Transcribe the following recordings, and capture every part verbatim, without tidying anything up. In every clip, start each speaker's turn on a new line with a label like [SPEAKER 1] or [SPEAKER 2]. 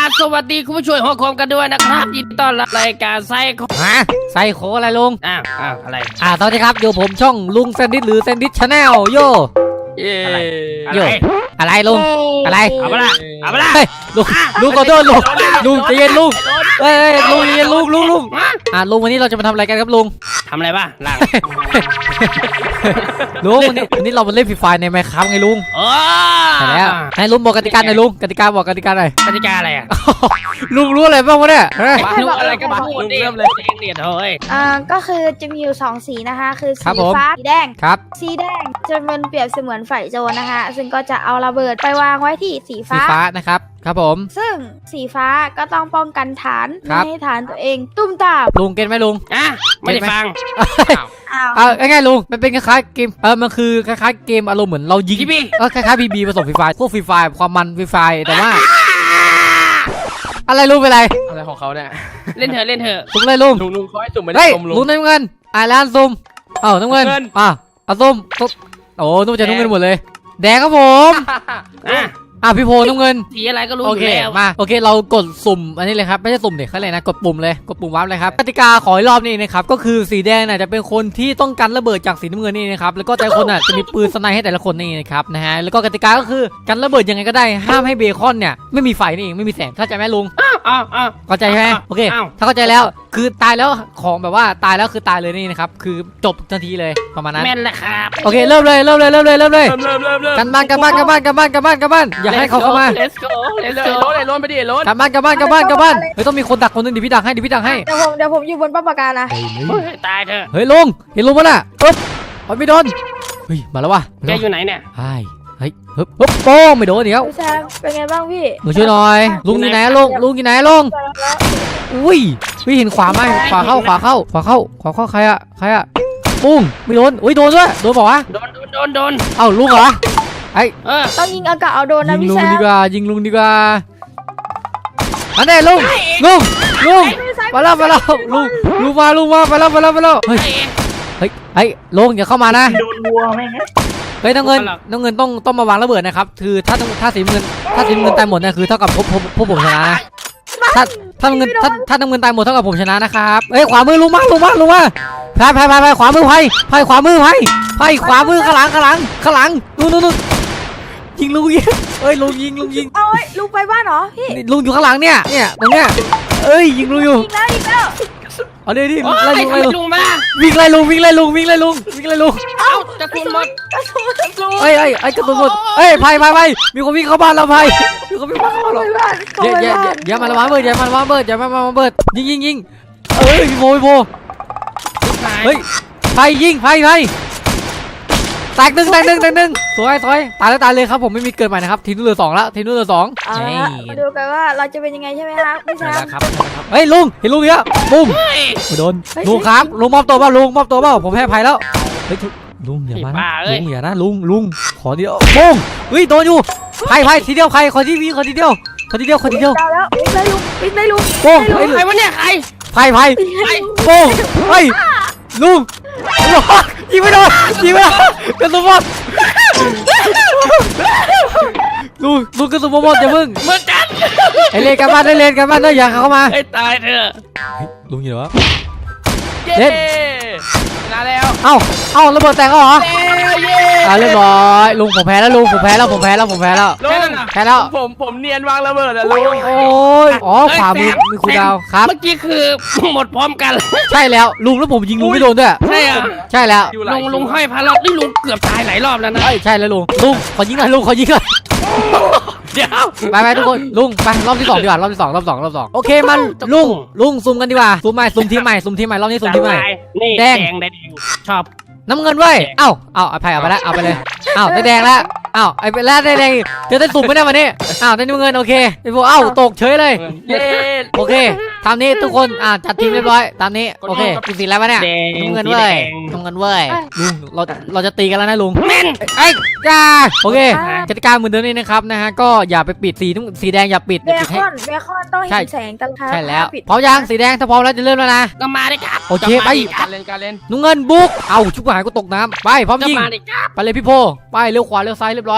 [SPEAKER 1] สวัสดีคุณผู้ช่วยหัวโคมกันด้วยนะครับยินดีต้อนรับรายการไซโค
[SPEAKER 2] ฮะไซโคอะไรลุง
[SPEAKER 1] อ้าวอ้าวอะไร
[SPEAKER 2] อ่าสวัสดีครับอยู่ผมช่องลุงแซนดิสหรือแซนดิสชาแนลโย
[SPEAKER 1] เย่อะไร
[SPEAKER 2] โยอะไรลุงอะไร
[SPEAKER 1] เอาไปละเอาไปละ
[SPEAKER 2] เฮ้ยลุงลุงขอโทษลุงลุงใจเย็นลุงเฮ้ยเฮ้ยลุงใจเย็นลุงลุงลุงอ่าลุงวันนี้เราจะมาทำอะไรกันครับลุง
[SPEAKER 1] ทำอะไรบ้างล่าง
[SPEAKER 2] ลุงวันนี้วันนี้เรามาเล่นฟรีไฟในไมค์ครับไงลุง
[SPEAKER 1] โอ้
[SPEAKER 2] ใช่แล้วให้ลุงบอกกติกาหน่อยลุงกติกาบอกกติกาหน่อย
[SPEAKER 1] กติกาอะไรอ่ะ
[SPEAKER 2] ลุงรู้อะไรบ้างวะเนี่ยฮะ
[SPEAKER 1] รู้อะไรก็มาพูดดิเริ่มเลยเองเดียดเฮ้ย
[SPEAKER 3] อ่าก็คือจะมีอยู่สองสีนะคะคือ
[SPEAKER 2] ครั
[SPEAKER 3] สี
[SPEAKER 2] บผม
[SPEAKER 3] ฟ้าสีแดง
[SPEAKER 2] ครับ
[SPEAKER 3] สีแดงจะเป็นเปรียบเสมือนไฟโจรนะคะ ซึ่งก็จะเอาระเบิดไปวางไว้ที่สี
[SPEAKER 2] สี
[SPEAKER 3] ฟ้า
[SPEAKER 2] ฟ้านะครับครับผม
[SPEAKER 3] ซึ่งสีฟ้าก็ต้องป้องกันฐาน
[SPEAKER 2] ครั
[SPEAKER 3] ไม่
[SPEAKER 2] บ
[SPEAKER 3] ให้ฐานตัวเองตุ้มตาม
[SPEAKER 2] ลุงเก็ตไหมลุง
[SPEAKER 1] อ่ะไม่ได้ฟัง
[SPEAKER 3] อ้าว
[SPEAKER 2] เอาง่ายๆลุงมันเป็นคล้ายๆเกมเออมันคือคล้ายๆเกมอารมณ์เหมือนเรายิง
[SPEAKER 1] พี่พี่
[SPEAKER 2] เออคล้ายๆบีบีผสมฟรีไฟพวกฟรีไฟความมันฟรีไฟแต่ว่า อะไรลุงเป็นไร
[SPEAKER 4] อะไรของเขาเนี่ย
[SPEAKER 1] เล่นเถอะเล่นเถอะ
[SPEAKER 2] ลุงเลยลุง
[SPEAKER 4] ลุงลุงเขาให้จุ่มไม่ได้
[SPEAKER 2] เฮ้ย
[SPEAKER 4] จุ่มลุ
[SPEAKER 2] ลุ
[SPEAKER 4] ง
[SPEAKER 2] งน้ำเงินอ่าร้านซุ่มเอ้าน้ำเงิน
[SPEAKER 4] น้ำเงิน
[SPEAKER 2] อ่ะเอาส้มส้มโอ้นุ่มจะน้ำเงินหมดเลย แดงครับผม
[SPEAKER 1] อ่ะ
[SPEAKER 2] อ่ะพี่โพน้ำเงิน
[SPEAKER 1] สีอะไรก็รู้อ
[SPEAKER 2] โอยู่ เค
[SPEAKER 1] แล้ว
[SPEAKER 2] มาโอเคเรากดสุ่มอันนี้เลยครับไม่ใช่สุ่มเด็กเขาเลยนะกดปุ่มเลยกดปุ่มวับเลยครับกติกาขออีกรอบนี้นะครับก็คือสีแดงน่ะจะเป็นคนที่ต้องกันระเบิดจากสีน้ำเงินนี่นะครับแล้วก็แต่ละคนน่ะจะมีปืนสไนให้แต่ละคนนี่นะครับนะฮะแล้วก็กติกาก็คือกันระเบิดยังไงก็ได้ห้ามให้เบคอนเนี่ยไม่มีไฟนี่เองไม่มีแสงเข้าใจไหมลุง
[SPEAKER 1] อ้าวอ้าวอ้าว
[SPEAKER 2] เข้าใจใช่ไหมโอเค
[SPEAKER 1] อ้าว
[SPEAKER 2] ถ้าเข้าใจแล้วคือตายแล้วของแบบว่าตายแล้วคือตายเลยนี่นะครับคือจบทันทีเลยประมาณนั้น
[SPEAKER 1] แม่นแหละครับ
[SPEAKER 2] โอเคเริ่มเลยเริ่มเลยเริ่มเลยเริ่มเลย
[SPEAKER 4] เริ่มเริ่มเริ่มเริ่ม
[SPEAKER 2] กันบ้านกันบ้านกันบ้านกันบ้านกันบ้านกันบ้านอย่าให้เขาเข้ามา
[SPEAKER 1] Let's go
[SPEAKER 4] ไอ้
[SPEAKER 1] Let's
[SPEAKER 4] โร
[SPEAKER 1] go
[SPEAKER 4] นไอ้โรนไปดิไอ้โรน
[SPEAKER 2] กันบ้านกันบ้านกันบ้านกันบ้านเฮ้ยต้องมีคนดักคนหนึงเดี๋ยวพี่ดักให้เดี๋ยวพี่ดักให้
[SPEAKER 3] เดี๋ยวผมเดี๋ยวผมอยู่บนป้าปากกานะ
[SPEAKER 1] เฮ้ยตายเถอะ
[SPEAKER 2] เฮ้ยลุงเห็นลุงปะน่ะปึ๊บโอ้ยไม่โดนเฮ้ยมาแล้ววะ
[SPEAKER 1] แกอยู่ไหนเนี่ย
[SPEAKER 2] ใช่เฮ้ยฮึบฮึบโป้งไม่โดนเดี๋ยว
[SPEAKER 3] พี่แซมเป็นไงบ้างพี่
[SPEAKER 2] มาช่วยหน่อยลุงอยู่ไหนอะลุงลุงอยู่ไหนอะลุงอุ้ยพี่เห็นขวาไหมขวาเข้าขวาเข้าขวาเข้าขวาเข้าใครอะใครอะปุ้งไม่โดนอุ้ยโดนด้วยโดนเปล่าวะ
[SPEAKER 1] โดนโดนโดนโดน
[SPEAKER 2] เอ้าลุงเหรอไอ้
[SPEAKER 1] เออ
[SPEAKER 3] ต้องยิงอากาศเอาโดนนะ
[SPEAKER 2] ยิง
[SPEAKER 3] พี่
[SPEAKER 2] ลุ
[SPEAKER 3] แซ
[SPEAKER 2] ง
[SPEAKER 3] ม
[SPEAKER 2] ดีกว่ายิงลุงดีกว่าอันนี้ลุงลุงลุงมาแล้วมาแล้วลุงลุงมาลุงมาไปแล้วไปแล้วไปแล้วเฮ้ย
[SPEAKER 1] ไอ้
[SPEAKER 2] เฮ้ยเฮ้ยลุงอย่าเข้ามานะ
[SPEAKER 1] โดนวัวไหมฮะ
[SPEAKER 2] เฮ้ยน้ำเงิน
[SPEAKER 1] ไม่หรอก
[SPEAKER 2] น้ำเงินต้องต้องมาวางระเบิดนะครับคือถ้าต้องถ้าสีน้ำเงินถ้าสีน้ำเงินตายหมดเนี่ยคือเท่ากับพวกพวกพวกผมชนะนะถ้าถ้าน้ำเงินถ้าถ้าน้ำเงินตายหมดเท่ากับผมชนะนะครับเฮ้ยขวามือลุงมาลุงมาลุงมาพายพายพายพายขวามือพายพายขวามือพายพายขวามือข้างหลังข้างหลังข้างหลังนู่นนู่นนู่นยิงลุงยิงเฮ้ยลุงยิงลุงยิง
[SPEAKER 3] เอาไว้ลุงไปบ้านเหรอพี่
[SPEAKER 2] นี่ลุงอยู่ข้างหลังเนี่ยเนี่ยตรงเนี้ยเอ้ยยิงลุงอยู่
[SPEAKER 3] ยิงแล้วยิงแล้ว
[SPEAKER 2] เอาดิดิ
[SPEAKER 1] โอ้
[SPEAKER 2] ไล่
[SPEAKER 1] ย
[SPEAKER 2] ลุง
[SPEAKER 1] ทำ
[SPEAKER 2] ไล่
[SPEAKER 1] ไม
[SPEAKER 2] ลุง
[SPEAKER 1] ลุงมา
[SPEAKER 2] วิ่งไล่ลุงวิ่งไล่ลุงวิ่งไล่ลุงวิ่งไล่ลุง
[SPEAKER 1] เอ้าจะคุณหมด
[SPEAKER 3] กระสุนกระสุน
[SPEAKER 2] เอ้ยเอ้ยไอ้กระสุนหมดเอ้ยพายพายพายมีคนวิ่งเข้าบ้านเราพายมีคนวิ่งเข้าบ้าน
[SPEAKER 3] เข้า
[SPEAKER 2] เรา
[SPEAKER 3] ไปบ้านเข้า
[SPEAKER 2] อย่า
[SPEAKER 3] ไป
[SPEAKER 2] อย่าอย่า
[SPEAKER 3] บ้าน
[SPEAKER 2] อย่ามาละวางเบิดอย่ามาละวางเบิดอย่ามาละวางเบิดยิงยิงยิงเอ้ยพี่โบพี่โบเฮ้ยไฟยิงไฟไฟแตกหนึ่งแตกหนึ่งแตกหนึ่งสวยสวยตายแล้วตายเลยครับผมไม่มีเกิดใหม่นะครับทีมนู้นเหลือสองแล้วทีมนู้นเหลือสอง
[SPEAKER 3] เอาละฮะมาดูกันว่าเราจะเป็นยังไงใช่ไหมครับพี่แซ
[SPEAKER 2] ใช่
[SPEAKER 3] ม
[SPEAKER 2] แล้วครับเฮ้ยลุงเห็นลุงเนี้ยปุ้มไม่โดนลุงครับลุงมอบตัวเปล่าลุงมอบตัวเปล่าผมให้อภัยแล้วเฮ้ยลุงอย่ามานะลุงอย่านะลุงลุงขอทีเดียวปุ้งเฮ้ยโดนอยู่ไผ่ไผ่ทีเดียวใครขอที่พี่ขอทีเดียวขอทีเดียวขอทีเดียว
[SPEAKER 3] เอาแล้ววิ่งเลยลุงวิ่งเลยลุง
[SPEAKER 2] ปุ้ง
[SPEAKER 3] วิ่ง
[SPEAKER 2] เฮ้ย
[SPEAKER 1] ใครวะเนี่ยใคร
[SPEAKER 2] ไผ่ไผ่
[SPEAKER 3] วิ่งเลยลุง
[SPEAKER 2] ปุ้งเฮ้ยลุงยิงไม่โดนยิงไม่โดนกระสุนหมดลุงลุงกระสุนหมดอย่าเพิ่ง
[SPEAKER 1] เหมือนกัน
[SPEAKER 2] ไอเลนกันบ้านไอเลนกันบ้านได้อย่าเข้ามา
[SPEAKER 1] ให้ตายเถอะ
[SPEAKER 2] ลุงอยู่ไหนวะ
[SPEAKER 4] เย้
[SPEAKER 2] เล่น
[SPEAKER 4] ชนะแล้ว
[SPEAKER 2] เอ้าเอ้าระเบิดแตกแล้วเหรอ
[SPEAKER 4] เย้
[SPEAKER 2] อ่าเรียบร้อยลุงผมแพ้แล้วลุงผมแพ้แล้วผมแพ้แล้วผมแพ้แล้ว
[SPEAKER 4] ลุง
[SPEAKER 2] แพ้แล้ว
[SPEAKER 4] ผมผมเนียนวางระเบิดอะลุง
[SPEAKER 2] โอ้ยอ๋อขวามือมีคุณดาวครับ
[SPEAKER 1] เมื่อกี้คือหมดพร้อมกัน
[SPEAKER 2] ใช่แล้วลุงแล้วผมยิงลุงไม่โดนด้วย
[SPEAKER 1] ใช่อ่ะ
[SPEAKER 2] ใช่แล้ว
[SPEAKER 4] อยู่หลา
[SPEAKER 1] ลุ
[SPEAKER 4] ย
[SPEAKER 1] งลุงห้อยพารานี่ลุงเกือบตายหลายรอบแล้วนะ
[SPEAKER 2] เอ้ยใช่แล้วลุงลุงขอยิงหน่อยลุงขอยิงหน่อย
[SPEAKER 1] เดี๋ยว
[SPEAKER 2] ไปไปทุกคนลุงไปรอบที่สองดีกว่ารอบที่สองรอบสองรอบสองโอเคมันลุงลุงซูมกันดีกว่าซูมใหม่ซูมทีมใหม่ซูมทีมใหม่รอบนี้ซูมทีมใหม่
[SPEAKER 1] นี่
[SPEAKER 2] แด
[SPEAKER 1] แด
[SPEAKER 2] ง
[SPEAKER 1] งแดงชอบ
[SPEAKER 2] น้ำเงินเว้ยเอ้าเอ้าเอาไปเอาไปแล้วเอาไปเลยเอ้าได้แดงแล้วเอ้าไอ้แล้วได้แดงจะได้สุ่มไม่ได้วันนี้เอ้าได้น้ำเงินโอเคไอ้พวกเอ้าตกเฉยเลย
[SPEAKER 4] เย้
[SPEAKER 2] โอเคตามนี้ทุกคนอ่าจัดทีมเรียบร้อยตามนี้โอเคคุณสีแล้ววะเนี่ย
[SPEAKER 1] แดง
[SPEAKER 2] น้ำเงินเว้ยน้ำเงินเว้ยลุงเราเราจะตีกันแล้วนะลุง
[SPEAKER 1] แม่น
[SPEAKER 2] ไอ้จ้าโอเคกติกาเหมือนเดิมนี่นะครับนะฮะก็อย่าไปปิดสีสีแดงอย่าปิด
[SPEAKER 3] เบ
[SPEAKER 2] อย่าปิด
[SPEAKER 3] ค
[SPEAKER 2] ให้
[SPEAKER 3] อนเบคอนต้อง
[SPEAKER 2] ใช่
[SPEAKER 3] เห็นแสงตลอด
[SPEAKER 2] ใช่แล้ว
[SPEAKER 3] ปิด
[SPEAKER 2] พร้อมยังสีแดงถ้าพร้อมแล้วจะเริ่มแล้วนะ
[SPEAKER 1] ก็มาดิครับ
[SPEAKER 2] โอเคไป
[SPEAKER 4] การเล่นการเล่น
[SPEAKER 2] น้ำเงินบุกเอ้าชุบหายก็ตกน้ำไปพร้อม
[SPEAKER 1] ก็
[SPEAKER 2] ยิง
[SPEAKER 1] มาดิครับ
[SPEAKER 2] ไปเลยพี่โพไปเลี้ยวขวาเลี้ยวซ้ายเรียบร้อย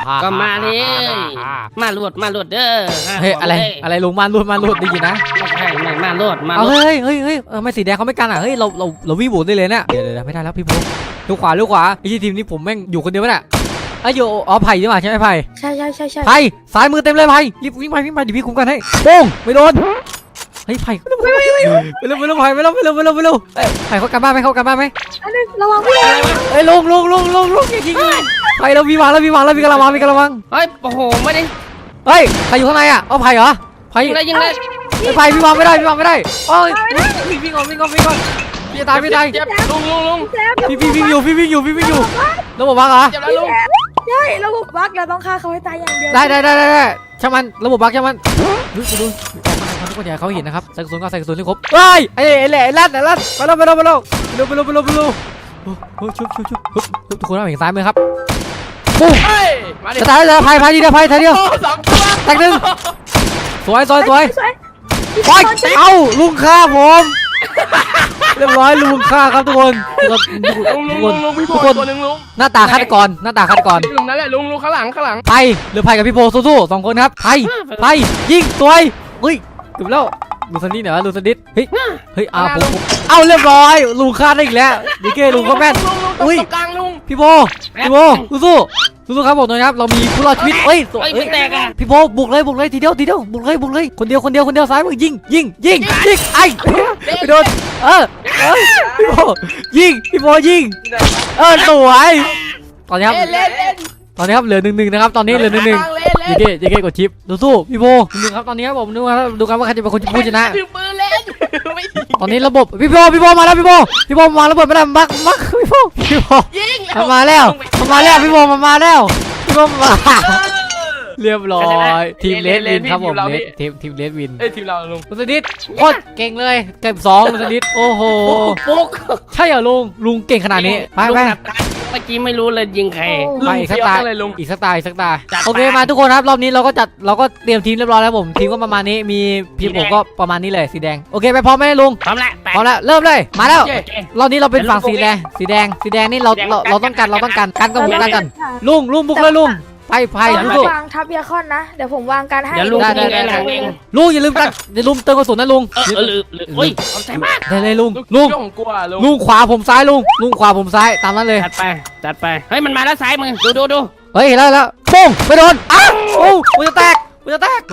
[SPEAKER 1] ก็มาเลยมาลวดมาลวดเด้อ
[SPEAKER 2] เฮ้ยอะไรอะไรลุงมาลุดมาลุดได้ยินนะ
[SPEAKER 1] ไม่ใช่ไม่มาลวดมาล
[SPEAKER 2] เอา
[SPEAKER 1] วด
[SPEAKER 2] เฮ้ยเฮ้ยเฮ้ยเออไม่สีแดงเขาไม่กันอ่ะเฮ้ยเราเราเราวิ่งบุกได้เลยเนี่ยเดี๋ยวเดี๋ยวไม่ได้แล้วพี่บุ๊คลูกขวาลูกขวาไอ้ทีมนี้ผมแม่งอยู่คนเดียวไม่ได้ไอ้อยู่อ๋อไผ่ใช่ไหมใช่ไหมไผ่
[SPEAKER 3] ใช่ใช่ใช่ใช่
[SPEAKER 2] ไผ่ซ้ายมือเต็มเลยไผ่รีบวิ่งไปวิ่งไปเดี๋ยวพี่คุมกันให้โป้งไม่โดนเฮ้ยไผ่ไปเร็วไปเร็วไปเร็วไปเร็วไผ่ไปเร็วไปเร็วไปเร็วไปเร็วไผ่เขากันบ้านไหมเขากันบ้านไหม
[SPEAKER 3] อันนึงระวังพี่
[SPEAKER 2] เอ้ยลงลงลงลงลงยิงยิงไผ่เราวีวางแล้ววีวางแล้ววีกระวังวีกระวัง
[SPEAKER 1] เฮ้ยโอ้โหไม่ได้
[SPEAKER 2] เฮ้ยใครอยู่ข้างในอ่ะเอาไผ่เหรอไผ่
[SPEAKER 1] ยิงเลยยิงเลย
[SPEAKER 2] ไผ่วีวางไม่ได้วีวางไม่ได้โอ้ยวิ่งวิ่งก่อนวิ่งก่อนวิ่งก่อนพี่ตายพี่ตาย
[SPEAKER 4] เจ็บลุงลุงลุง
[SPEAKER 3] แซม
[SPEAKER 2] พี่พี่วิ่งอยู่พี่วิ่งอยู่พี่วิ่งอยู่ระบบบั๊กเหรอ
[SPEAKER 4] เจ็บแล้วลุง
[SPEAKER 3] ใช่ระบบบั๊กเราต้องฆ่าเขาให้ตายอย่างเดียว
[SPEAKER 2] ได้ได้ได้ได้ได้ช่างมันระบบบั๊กช่างมันดูดูทุกคนอย่าเขาเห็นนะครับใส่กระสุนก็ใส่กระสุนให้ครบเฮ้ยไอ้ไอ้แหล่ไอ้ลั่นไอ้ลั่นไปแล้วไปแล้วไปแล้วไปแล้วไปแล้วไปแล้วไปแล้วโอ้ชุบชุบชุบทุกคนเอาเห็นซ้ายมือครับปุ๊บ
[SPEAKER 4] เฮ้ยมาดิ
[SPEAKER 2] จะตายแล้วพายพายดีเดียวพายทีเดียว
[SPEAKER 4] โอ้สองตัว
[SPEAKER 2] แตกหนึ่งสวยสวยสวย
[SPEAKER 3] สวย
[SPEAKER 2] โอ้ยเอ้าลุงฆ่าผมเรียบร้อยลุงฆ่าครับทุกคนทุก
[SPEAKER 4] ลุงลุง
[SPEAKER 2] ค
[SPEAKER 4] ลุ
[SPEAKER 2] น
[SPEAKER 4] งลุงพี่โพ
[SPEAKER 2] ทุกคน
[SPEAKER 4] ตัวหนึ่งลุง
[SPEAKER 2] หน้าตาฆาตกรหน้าตาฆาตกร
[SPEAKER 4] ลุงนั่นแหละลุงลุงข้างหลังข้างหลัง
[SPEAKER 2] ไพหรือไพกับพี่โพสู้ๆสองคนครับไพไพยิงสวยเฮ้ยจบแล้วลูซันดิสเหรอลูซันดิสเฮ้ยเฮ้ยอ้าวผมผมเอาเรียบร้อยลุงฆ่าได้อีกแล้วดีเก้ลุงก็แม่น
[SPEAKER 4] ลุงลุงต
[SPEAKER 2] อุ้ย
[SPEAKER 4] รงกลางลุง
[SPEAKER 2] พี่โพพี่โพสู้ๆสู้ๆครับผมนะครับเรามีผู้รอดชีวิตเฮ้ย
[SPEAKER 1] เฮ้ยไม่แตกอ่ะ
[SPEAKER 2] พี่โพบุกเลยบุกเลยทีเดียวทีเดียวบุกเลยบุกเลยคนเดียวคนเดียวคนเดียวซ้ายมือยิงยิงยิงยิงไอ้ไปโดนเออเออพี่โพยิงพี่โพยิงเออสวยตอนนี้ครับ
[SPEAKER 4] เล่นเล่นเล่น
[SPEAKER 2] ตอนนี้ครับเหลือหนึ่งหนึ่งนะครับตอนนี้เหลือหนึ่งหนึ่ง
[SPEAKER 4] เล่นเล่
[SPEAKER 2] ยิ
[SPEAKER 4] น
[SPEAKER 2] เก้ยิเก้กดชิปสู้ๆพี่โพหนึ่งครับตอนนี้ครับผมดูครับดูกันว่าใครจะเป็นคนผู้ชนะ
[SPEAKER 4] ถือปืนเล่นไม่ยิง
[SPEAKER 2] ตอนนี้ระบบพี่โพพี่โพมาแล้วพี่โพพี่โพมาระเบิดไม่ได้มักมักพี่โพพี่โพ
[SPEAKER 4] ยิง
[SPEAKER 2] มันมาแล้วมันมาแล้วพี่โพมันมาแล้วพี่โพมาเรียบร้อยทีมเลสวินครับผมเลสทีมทีมเลสวิน
[SPEAKER 4] เอ้ยทีมเราลุง
[SPEAKER 2] ลุงสนิทโคตรเก่งเลยเก็บสองลุงสนิทโอ้โห
[SPEAKER 1] ปุ๊ก
[SPEAKER 2] ใช่เหรอลุงลุงเก่งขนาดนี้ไปไป
[SPEAKER 1] เมื่อกี้ไม่รู้เลยยิงใคร
[SPEAKER 2] ไปอีกสักตา
[SPEAKER 4] เลยลุง
[SPEAKER 2] อีกสักตาอีกสักตา
[SPEAKER 1] จัดไป
[SPEAKER 2] โอเคมาทุกคนครับรอบนี้เราก็จัดเราก็เตรียมทีมเรียบร้อยแล้วผมทีมก็ประมาณนี้มีทีมผมก็ประมาณนี้เลยสีแดงโอเคไปพร้อมไหมลุง
[SPEAKER 1] พร้อมแล้วแตก
[SPEAKER 2] พร้อมแล้วเริ่มเลยมาแล้ว
[SPEAKER 4] เย้
[SPEAKER 2] รอบนี้เราเป็นฝั่งสีแดงสีแดงสีแดงนี่เราเราเราต้องการเราต้องการกันกับผมกันกันลุงลุงบุกเลยลุงไปไป
[SPEAKER 3] ไป
[SPEAKER 2] สู้
[SPEAKER 3] วางทับเบียร์คอนนะเดี๋ยวผมวางการให้
[SPEAKER 1] เดี๋ยวลุง
[SPEAKER 2] ได้
[SPEAKER 1] ยิง
[SPEAKER 2] ได้
[SPEAKER 1] ไงหลังเอง
[SPEAKER 2] ๆลุงอย่าลืมกันอย่าลืมเติมกระสุนนะลุง
[SPEAKER 1] เออเออหรือหรืออุ้ยเอาใจมาก
[SPEAKER 2] ได้เลยลุง
[SPEAKER 4] ลุ
[SPEAKER 2] ลุ
[SPEAKER 4] ง
[SPEAKER 2] ง
[SPEAKER 4] ของกลัวลุง
[SPEAKER 2] ลุงขวาผมซ้ายลุงลุงขวาผมซ้ายตามนั้นเลย
[SPEAKER 1] จัดไปจัดไปเฮ้ยมันมาแล้วซ้ายมือดูดูดู
[SPEAKER 2] เฮ้ยเห็นแล้วเห็นแล้วปุ้งไม่โดนอ้าวโอ้กูจะแตกกูจะแตก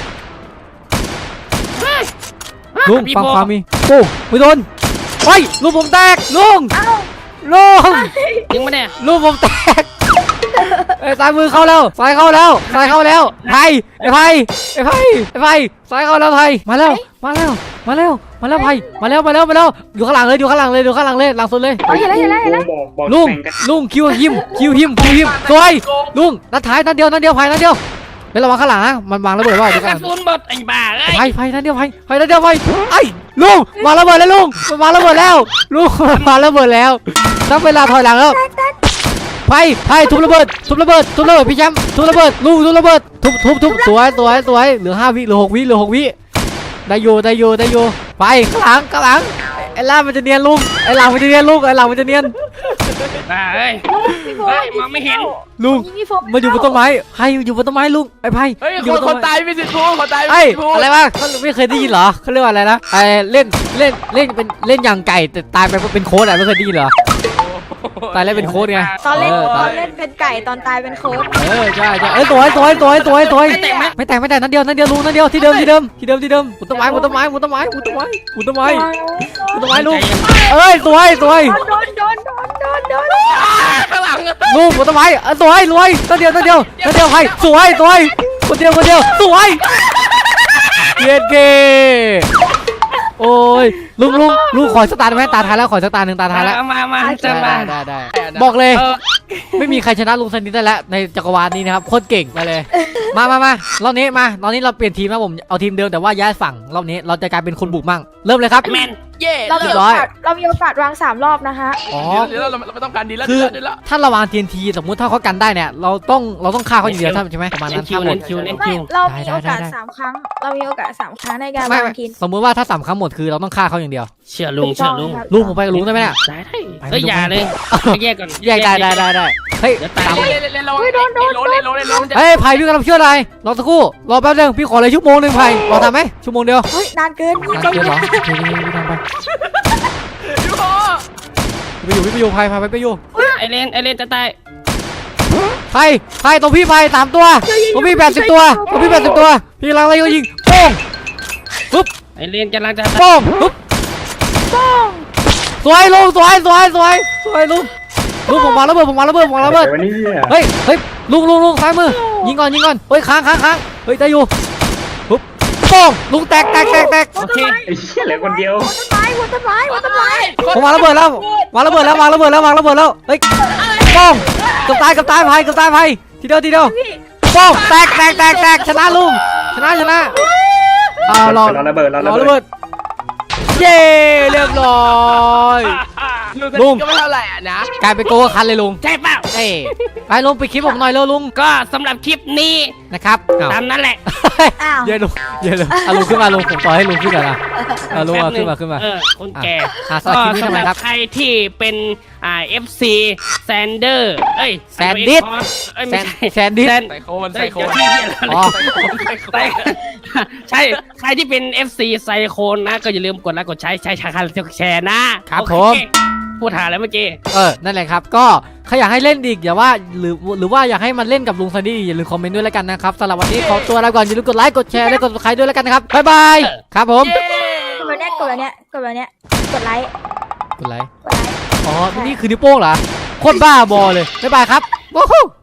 [SPEAKER 2] ลุง
[SPEAKER 1] พี่
[SPEAKER 2] ฟัง
[SPEAKER 1] โพ
[SPEAKER 2] ความมีปุ้งไม่โดนเฮ้ยลุงผมแตกลุง
[SPEAKER 3] เอ้า
[SPEAKER 2] ลุง
[SPEAKER 1] ยิงมาเนี่ย
[SPEAKER 2] ลุงผมแตกเอ้ยซ้ายมือเข้าแล้วซ้ายเข้าแล้วซ้ายเข้าแล้วไผ่ไอ้ไผ่ไอ้ไผ่ไอ้ไผ่ซ้ายเข้าแล้วไผ่มาแล้วมาแล้วมาแล้วมาแล้วไผ่มาแล้วมาแล้วมาแล้วอยู่ข้างหลังเลยอยู่ข้างหลังเลยอยู่ข้างหลังเลยหลังสุดเลย
[SPEAKER 3] เฮ้ยเห็นแล้วเห็นแล้วเห็นแล้ว
[SPEAKER 2] ลุงลุงคิวหิมคิวหิมคิวหิมสวยลุงนัดท้ายนัดเดียวนัดเดียวไผ่นัดเดียวเป็นระวังข้างหลังนะมันวางระเบิดว่าเดี๋ยว
[SPEAKER 1] ก
[SPEAKER 2] กั
[SPEAKER 1] ระ
[SPEAKER 2] น
[SPEAKER 1] สุนหมดไอ้บ้าเอ้ย
[SPEAKER 2] ไผ่ไผ่นัดเดียวไผ่ไผ่นัดเดียวไผ่ไอ้ลุงวางระเบิดแล้วลุงมันวางระเบิดแล้วลุงมันวางระเบิดแล้วตั้งเวลาถอยหลังแล้วไผ่ไผ่ทุบระเบิดทุบระเบิดทุบระเบิดพี่แชมป์ทุบระเบิดลุงทุบระเบิดทุบทุบทุบสวยสวยสวยเหลือห้าวิเหลือหกวิเหลือหกวิได้อยู่ได้อยู่ได้อยู่ไปข้างหลังข้างหลังไอ้ล่ามันจะเนียนลุงไอ้หลังมันจะเนียนลุงไอ้หลังมันจะเนียน
[SPEAKER 1] บ้าเอ้ย
[SPEAKER 3] พี่โฟ
[SPEAKER 1] เฮ้ยมองไม่เห็น
[SPEAKER 2] ลุง
[SPEAKER 3] ยิงพี่โฟ
[SPEAKER 2] มันอยู่บนต้นไม้ไผ่อยู่บนต้นไม้ลุงไอ้ไผ่
[SPEAKER 4] เฮ้ย
[SPEAKER 2] อยู่
[SPEAKER 4] ค
[SPEAKER 2] บ
[SPEAKER 4] น
[SPEAKER 2] น
[SPEAKER 4] ค
[SPEAKER 2] ต้
[SPEAKER 4] น
[SPEAKER 2] นไม้
[SPEAKER 4] ตายไม่สิพูดคนตาย
[SPEAKER 2] ไอ้
[SPEAKER 4] ไม่สิพูด
[SPEAKER 2] อะไรวะเขาไม่เคยได้ยินเหรอเขาเรียกว่าอะไรนะไอ้เล่นเล่นเล่นเป็นเล่นอย่างไก่แต่ตายไปเพราะเป็นโค้ดอะไม่เคยได้ยินเหรอตายแล้วเป็นโค้ดไง
[SPEAKER 3] ตอนเล่น
[SPEAKER 2] เออ
[SPEAKER 3] ตอนเล่นเป็นไก่ตอนตายเป็นโค้ด
[SPEAKER 2] เออใช่ใช่เอ้ยสวยสวยสวยสวยสวยไม่แต่งไม่แต่งนั่นเดียวนั่นเดียวลุงนั่นเดียวที่เดิมที่เดิมที่เดิมที่เดิมหุนต้นไม้หุนต้นไม้หุนต้นไม้หุนต้นไม้หุนต้นไม้หุนต้นไม้ลุงเอ้ยสวยสวย
[SPEAKER 3] โดนโดนโดนโดนโดน
[SPEAKER 4] ข้างหลัง
[SPEAKER 2] ลุงหุนต้นไม้เออสวยรวยนั่นเดียวนั่นเดียวนั่นเดียวใครสวยสวยคนเดียวคนเดียวสวยเย็นเกโอ้ยลุงลุงลุงขอสตาร์ทไหมตาท้ายแล้วขอสตาร์ทหนึ่งตาท้ายแล้ว
[SPEAKER 1] เอามามาจะมา
[SPEAKER 2] ได้ได้ได้บอกเลย
[SPEAKER 1] เออ
[SPEAKER 2] ไม่มีใครชนะลุงสนิทได้แล้วในจักรวาลนี้นะครับโคตรเก่งไปเลย มามามารอบนี้มาตอนนี้เราเปลี่ยนทีมนะผมเอาทีมเดิมแต่ว่าย้ายฝั่งรอบนี้เราจะกลายเป็นคนบุกมั่งเริ่มเลยครับ
[SPEAKER 1] แมน
[SPEAKER 4] เย่
[SPEAKER 3] เรา
[SPEAKER 2] เรี
[SPEAKER 3] มี
[SPEAKER 2] ยบ
[SPEAKER 3] โอ
[SPEAKER 2] ร้อย
[SPEAKER 3] กาสเรามีโอกาสวางสามรอบนะคะ
[SPEAKER 2] อ๋อ
[SPEAKER 4] เดี๋ยวเราเราไม่ต้องการดีแล้ว
[SPEAKER 2] คือ
[SPEAKER 4] เดี๋ยวแล้ว
[SPEAKER 2] ถ้าเราวาง ที เอ็น ที สมมุติถ้าเขากันได้เนี่ยเราต้องเราต้องฆ่าเขาอย่างเดียวใช่ไหมประมาณ
[SPEAKER 1] เน้
[SPEAKER 2] นั้น น
[SPEAKER 1] คิว
[SPEAKER 2] ฆ่าหม
[SPEAKER 1] เน้
[SPEAKER 2] ด
[SPEAKER 1] นคิวเน้น
[SPEAKER 3] ไม่
[SPEAKER 1] คิว
[SPEAKER 3] เรา
[SPEAKER 2] ได้
[SPEAKER 3] มี
[SPEAKER 2] ได้
[SPEAKER 3] โอกาส
[SPEAKER 2] ได้
[SPEAKER 3] สามครั้ง เรามีโอกาสสามครั้งในการ
[SPEAKER 2] ไม่
[SPEAKER 3] วาง
[SPEAKER 2] ไม่
[SPEAKER 3] ทีน
[SPEAKER 2] สมมุติว่าถ้าสามครั้งหมดคือเราต้องฆ่าเขาอย่างเดียว
[SPEAKER 1] เชื่อลุงเชื่อลุง
[SPEAKER 2] ลุงผมไปกับลุงได้ไหมเนี่ย
[SPEAKER 1] ได้ได้เฮ้ยอย่าเลยแยกก่อน
[SPEAKER 2] แยกได้ได้ได้ได้เฮ้ย
[SPEAKER 1] เดี๋ยวตาย
[SPEAKER 2] ตาม
[SPEAKER 4] เล่นเล่นเล่นระวังเล่นโลเล่นโลเล่นโลมันจะ
[SPEAKER 2] เฮ้ยไผ่พี่กำลังช่วยอะไรรอสักครู่รอแป๊บนึงพี่ขอเลยชั่วโมงหนึ่งไผ่รอทำไหมชั่วโมงเดียว
[SPEAKER 3] เฮ้ยนานเกินพี่
[SPEAKER 2] นาน
[SPEAKER 3] ใจ
[SPEAKER 2] เกิน
[SPEAKER 3] เย็
[SPEAKER 2] เหรอ
[SPEAKER 3] น
[SPEAKER 2] โอเคพี่พี่ทำไป
[SPEAKER 4] พี่พ่อ
[SPEAKER 2] ไปอยู่พี่ไปอยู่ไผ่ไผ่ไปไปอยู่
[SPEAKER 1] ไอเลนไอเลนจะตาย
[SPEAKER 2] ไผ่ไผ่ตรงพี่ไผ่สามตัวตรงพี่แปดสิบตัวตรงพี่แปดสิบตัวพี่กำลังอะไรก็ยิงโป้งปุ๊บ
[SPEAKER 1] ไอเลนกำลังจะ
[SPEAKER 2] โป้งปุ๊บ
[SPEAKER 3] ป้อง
[SPEAKER 2] สวยลุงสวยสวยสวยสวยลุงลุงผมวางระเบิดผมวางระเบิดผมวางระเบิด
[SPEAKER 5] วันนี้เนี่ย
[SPEAKER 2] เฮ้ยเฮ้ยลุงลุงลุงซ้ายมือยิงก่อนยิงก่อนเฮ้ยค้างค้างค้างเฮ้ยได้อยู่ปุ๊บโป้งลุงแตกแตกแตกแตก
[SPEAKER 1] โอเค
[SPEAKER 5] ไอ้เหี้ยเหลือคนเดียว
[SPEAKER 3] ต้นไม้หัวต้นไม้หัวต้นไม้
[SPEAKER 2] ผมวางระเบิดแล้ววางระเบิดแล้ววางระเบิดแล้ววางระเบิดแล้วเฮ้ยโป้งเกับตายเกับตายไผ่เกับตายไผ่ทีเดียวทีเดียวโป้งแตกแตกแตกแตกชนะลุงชนะชนะอ่ารอ
[SPEAKER 5] รอระเบิดรอ
[SPEAKER 2] รอ
[SPEAKER 5] ระ
[SPEAKER 2] ระ
[SPEAKER 5] เบิ
[SPEAKER 2] เบิ
[SPEAKER 5] ด
[SPEAKER 2] ดเย้เรียบร้อย ลุ
[SPEAKER 4] ลุ
[SPEAKER 2] ง
[SPEAKER 4] งก็ไม่เท่าไหร่อ่ะนะ
[SPEAKER 2] กลายเป็นโกคันเลยลุง
[SPEAKER 1] ใช่เปล่า
[SPEAKER 2] เอ้ยไปลุงไปคลิปผมหน่อยเร็วลุง
[SPEAKER 1] ก็สำหรับคลิปนี้
[SPEAKER 2] นะครับอ้าว
[SPEAKER 1] ตามนั้นแหละ
[SPEAKER 3] อ้าว
[SPEAKER 2] เย็นลุงเย็นลุงอ่ะลุงขึ้นมาลุงผมต่อให้ลุงขึ้นก่อนนะอ่ะลุงเอาขึ้นมาขึ้นมา
[SPEAKER 1] เออคนแก่
[SPEAKER 2] อ่ะสำหรับคลิปนี้ทำ
[SPEAKER 1] สำ
[SPEAKER 2] ไม
[SPEAKER 1] ห
[SPEAKER 2] ค
[SPEAKER 1] รั
[SPEAKER 2] รั
[SPEAKER 1] บบ ใครที่เป็นอ่า เอฟ ซี แซนเดอร์เอ้ย
[SPEAKER 2] แซนดิส
[SPEAKER 1] เอ้ย
[SPEAKER 2] แซ
[SPEAKER 1] ไม่
[SPEAKER 2] น
[SPEAKER 1] ใช่
[SPEAKER 2] แซนดิส
[SPEAKER 1] แซน
[SPEAKER 4] ใส่โคนใส่โคน
[SPEAKER 1] เดี๋ยวที่เหี้ยอะไร
[SPEAKER 2] อ๋อ
[SPEAKER 4] ใส่โคนใส่โคน
[SPEAKER 1] ใช่ ใครที่เป็น เอฟ ซี ไซโคนนะ ก็อย่าลืมกดไลค์กดใช้ใช้ชาคันแชร์นะครับ โอเ
[SPEAKER 2] ผม
[SPEAKER 1] พูดหาแล้วเมื่อกี้
[SPEAKER 2] เออนั่นแหละครับก็ใครอยากให้เล่นอีกอย่าว่าหรือหรือว่าอยากให้มันเล่นกับลุงซันดี้อย่าลืมคอมเมนต์ด้วยแล้วกันนะครับสำหรับวันนี้ขอตัวลาก่อนอย่าลืมกดไลค์กดแชร์และกด subscribe ด้วยแล้วกันนะครับบ๊ายบายครับผม
[SPEAKER 4] เย้
[SPEAKER 3] กดแบบเนี้ยกดแบบเนี้ยกดแบบเนี้ยกดไลค์
[SPEAKER 2] กดไลค์
[SPEAKER 3] กดไลค์
[SPEAKER 2] อ๋อนี่คือนิ้วโป้งเหรอโคตรบ้าบอเลยบ๊ายบายครับว้าว